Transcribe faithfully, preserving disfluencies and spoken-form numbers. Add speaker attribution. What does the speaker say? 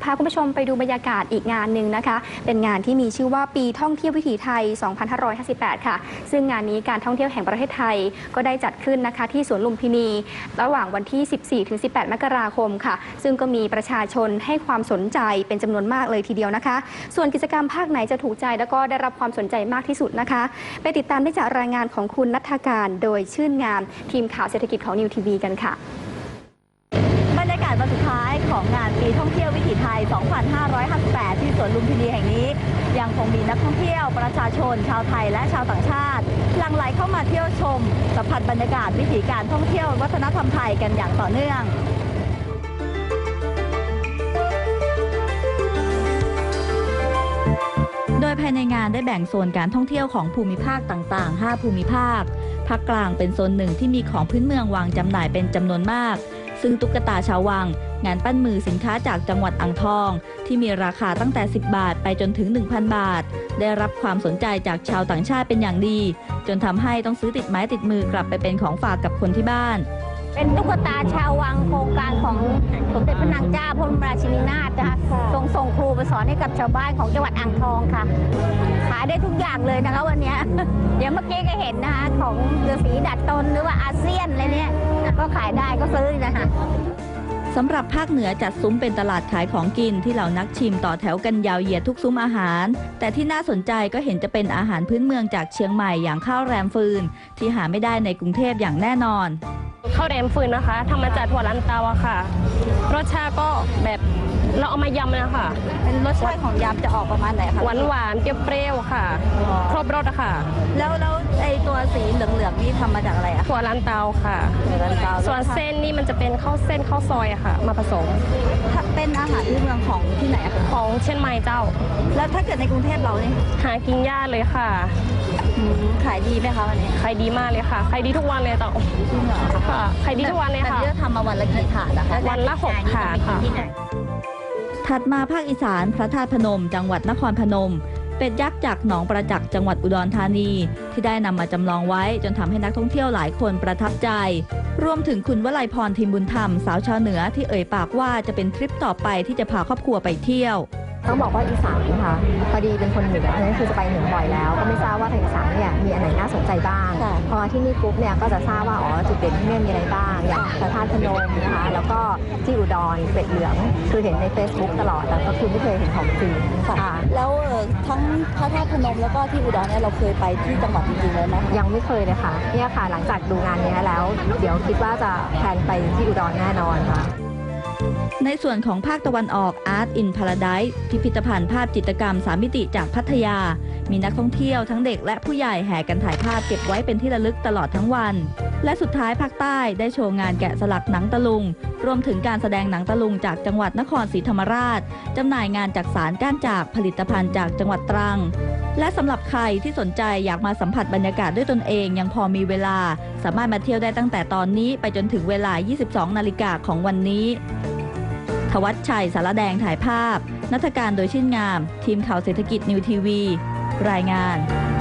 Speaker 1: าคุณผู้ชมไปดูบรรยากาศอีกงานหนึ่งนะคะเป็นงานที่มีชื่อว่าปีท่องเที่ยววิถีไทย สองพันห้าร้อยห้าสิบแปด ค่ะซึ่งงานนี้การท่องเที่ยวแห่งประเทศไทยก็ได้จัดขึ้นนะคะที่สวนลุมพินีระหว่างวันที่ สิบสี่ถึงสิบแปด มกราคมค่ะซึ่งก็มีประชาชนให้ความสนใจเป็นจำนวนมากเลยทีเดียวนะคะส่วนกิจกรรมภาคไหนจะถูกใจแล้วก็ได้รับความสนใจมากที่สุดนะคะไปติดตามได้จากรายงานของคุณณัฐการโดยชื่นงามทีมข่าวเศรษฐกิจของนิวทีวีกันค่ะ
Speaker 2: บรรยากาศวันสุดท้ายของงานปีท่องเที่ยววิถีไทย สองพันห้าร้อยห้าสิบแปด ที่สวนลุมพินีแห่งนี้ยังคงมีนักท่องเที่ยวประชาชนชาวไทยและชาวต่างชาติหลั่งไหลเข้ามาเที่ยวชมสัมผัสบรรยากาศวิถีการท่องเที่ยววัฒนธรรมไทยกันอย่างต่อเนื่องโดยภายในงานได้แบ่งโซนการท่องเที่ยวของภูมิภาคต่างๆ ห้า ภูมิภาคภาคกลางเป็นโซนหนึ่งที่มีของพื้นเมืองวางจำหน่ายเป็นจำนวนมากซึ่งตุ๊กตาชาววังงานปั้นมือสินค้าจากจังหวัดอ่างทองที่มีราคาตั้งแต่สิบบาทไปจนถึง หนึ่งพัน บาทได้รับความสนใจจากชาวต่างชาติเป็นอย่างดีจนทำให้ต้องซื้อติดไม้ติดมือกลับไปเป็นของฝากกับคนที่บ้าน
Speaker 3: เป็นตุ๊กตาชาววังโครงการของสมเด็จพระนางเจ้าพระบรมราชินีนาถนะคะทรงส่งครูไปสอนให้กับชาวบ้านของจังหวัดอ่างทองค่ะขายได้ทุกอย่างเลยนะคะวันนี้ เดี๋ยวเมื่อกี้ก็เห็นนะคะของฤาษีดัดตนหรือว่าอาเซียนอะไรเนี้ยก็ขายได้ก็ซื้อนะคะ
Speaker 2: สำหรับภาคเหนือจัดซุ้มเป็นตลาดขายของกินที่เหล่านักชิมต่อแถวกันยาวเหยียดทุกซุ้มอาหารแต่ที่น่าสนใจก็เห็นจะเป็นอาหารพื้นเมืองจากเชียงใหม่อย่างข้าวแรมฟืนที่หาไม่ได้ในกรุงเทพอย่างแน่นอน
Speaker 4: ข้าวแรมฟืนนะคะทำมาจากถั่วลันเตาอะค่ะรสชาติก็แบบเราเอามายำนะคะ
Speaker 2: เป็นรสชาติของยำจะออกประมาณไหนคะ
Speaker 4: หวานหวานเปรี้ยวๆค่ะครบรสอะค่ะ
Speaker 2: แล้วแล้วไอตัวสีเหลืองๆนี่ทำมาจากอะไรอะ
Speaker 4: ถั่วลันเตาค่ะ
Speaker 2: ถั่วลันเตา
Speaker 4: ส่วนเส้นนี่มันจะเป็นข้าวเส้นข้าวซอยอะค่ะมาผสม
Speaker 2: เป็นอาหารพื้นเมืองของที่ไหนอะคะ
Speaker 4: ของเชียงใหม่เจ้า
Speaker 2: แล้วถ้าเกิดในกรุงเทพเราเนี่ย
Speaker 4: หากินยากเลยค่ะ
Speaker 2: ขายดีไหมคะวันนี้
Speaker 4: ขายดีมากเลยค่ะขายดีทุกวันเลยเจ้าค่ะขายดีทุกวันเลยค่ะ
Speaker 2: แต่ที่ทำมาวันละกี่ถาดนะคะ
Speaker 4: วันละหกถาดค่ะ
Speaker 2: ถัดมาภาคอีสานพระธาตุพนมจังหวัดนครพนมเป็ดยักษ์จากหนองประจักษ์จังหวัดอุดรธานีที่ได้นำมาจำลองไว้จนทำให้นักท่องเที่ยวหลายคนประทับใจรวมถึงคุณวลัยพรทิมบุญธรรมสาวชาวเหนือที่เอ่ยปากว่าจะเป็นทริปต่อไปที่จะพาครอบครัวไปเที่ยว
Speaker 5: ต้องบอกว่าอีสานค่ะพอดีเป็นคนเหนือนั่นคือจะไปเหนือบ่อยแล้วก็ไม่ทราบว่าทางอีสานเนี่ยมีอันไหนน่าสนใจบ้างพอที่นี่ปุ๊บเนี่ยก็จะทราบว่าอ๋อจุดเด่นที่นี่มีอะไรบ้างอย่างพระธาตุพนมนะคะแล้วก็ที่อุดรเป็ดเหลืองคือเห็นใน Facebook ตลอดแต่ก็คือไม่เคยเห็นของจริง
Speaker 2: ค่ะแล้วทั้งพระธาตุพนมแล้วก็ที่อุดรเนี่ยเราเคยไปที่จังหวัดจริงๆเลยไหม
Speaker 5: ยังไม่เคยเลยค่ะเนี่ยค่ะหลังจากดูงานนี้แล้วเดี๋ยวคิดว่าจะแพลนไปที่อุดรแน่นอนค่ะ
Speaker 2: ในส่วนของภาคตะวันออก Art in Paradise พิพิธภัณฑ์ภาพจิตรกรรมสามมิติจากพัทยามีนักท่องเที่ยวทั้งเด็กและผู้ใหญ่แห่กันถ่ายภาพเก็บไว้เป็นที่ระลึกตลอดทั้งวันและสุดท้ายภาคใต้ได้โชว์งานแกะสลักหนังตะลุงรวมถึงการแสดงหนังตะลุงจากจังหวัดนครศรีธรรมราชจำหน่ายงานจากสารก้านจากผลิตภัณฑ์จากจังหวัดตรังและสำหรับใครที่สนใจอยากมาสัมผัสบรรยากาศด้วยตนเองยังพอมีเวลาสามารถมาเที่ยวได้ตั้งแต่ตอนนี้ไปจนถึงเวลา ยี่สิบสอง นาฬิกาของวันนี้ทวัชชัยสารแดงถ่ายภาพณัฐการโดยชื่นงามทีมข่าวเศรษฐกิจนิวทีวีรายงาน